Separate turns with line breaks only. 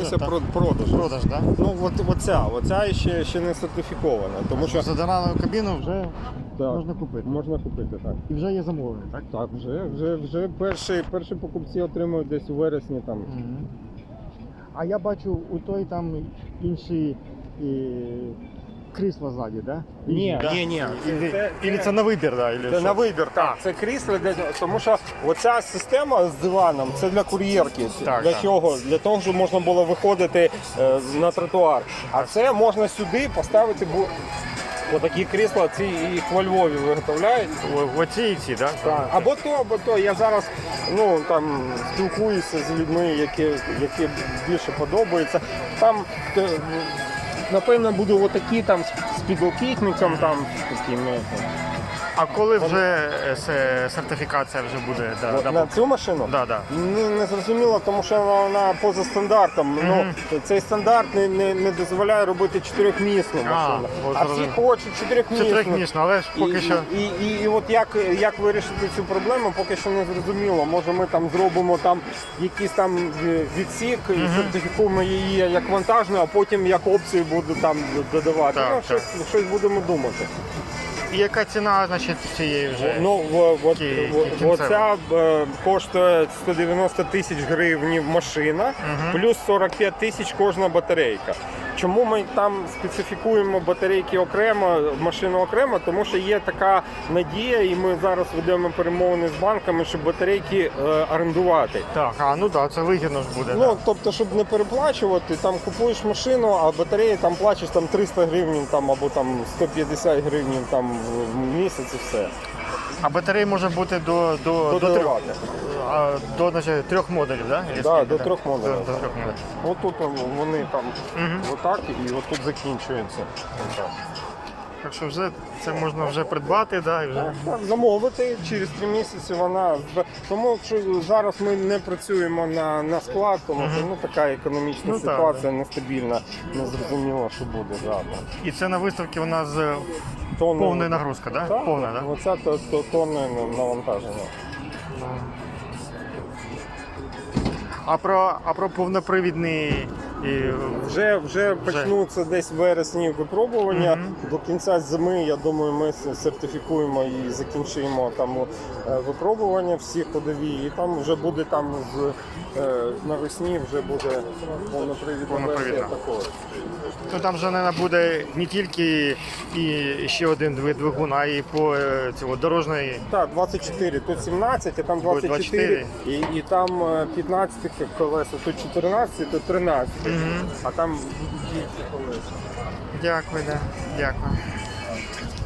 займаюся продажем.
Продаж, так?
Ну оця ще не сертифікована, тому що
За дану кабіну вже
так,
можна купити.
Можна купити, так.
І вже є замовлення, так?
Так, вже перші покупці отримують десь у вересні там.
Мгм. А я бачу у той там інші крісла ззаді, так?
Ні.
Ілі це на вибір, так?
Це на вибір, так. Це крісло, тому що оця система з диваном це для кур'єрки.
Так,
для
так.
чого? Для того, щоб можна було виходити на тротуар. А це можна сюди поставити. Отакі крісла, ці їх во Львові виготовляють.
Оці і ці, так?
Так. Або то. Я зараз спілкуюся з людьми, які більше подобаються. Там, напевно, будуть отакі там з підлокітником, там такими.
А коли вже сертифікація вже буде?
На цю машину?
Да.
Не зрозуміло, тому що вона поза стандартом. Цей стандарт не дозволяє робити 4-місну машину. А всі хочуть 4-місну.
4-місну, але ж поки що.
І от як вирішити цю проблему, поки що не зрозуміло. Може ми там зробимо там якийсь там відсік і сертифікуємо її як вантажну, а потім як опцію буду там додавати.
Так,
щось будемо думати.
І яка ціна, значить, цієї вже?
Оця коштує 190 тисяч гривень машина, плюс 45 тисяч кожна батарейка. Чому ми там специфікуємо батарейки окремо, машину окремо? Тому що є така надія, і ми зараз ведемо перемовини з банками, щоб батарейки орендувати.
Так, це вигідно ж буде.
Тобто, щоб не переплачувати, там купуєш машину, а батареї там плачеш там 300 гривень там, або там 150 гривень там, в місяць і все.
А батареї може бути до трьох модулів, так?
Так, до 3 модулів.
До 3 модулів.
Отут вони там отак і отут закінчується.
Так що вже це можна вже придбати, і вже.
Замовити через 3 місяці вона. Тому що зараз ми не працюємо на склад, тому що така економічна ситуація нестабільна, не зрозуміло, що буде завтра.
І це на виставці у нас повна нагрузка, так?
Так,
Повна, так?
Оце тонне навантаження.
А про повнопривідний
Вже почнуться десь в вересні випробування. До кінця зими, я думаю, ми сертифікуємо і закінчуємо там випробування всі ходові. І там вже буде навесні вже буде повнопривідна версія також.
Там вже, мабуть, буде не тільки ще один двигун, а і по дорожньої.
Так, 24, тут 17, а там 24, і там 15 колеса, тут 14, тут 13, а там більше колеса.
Дякую.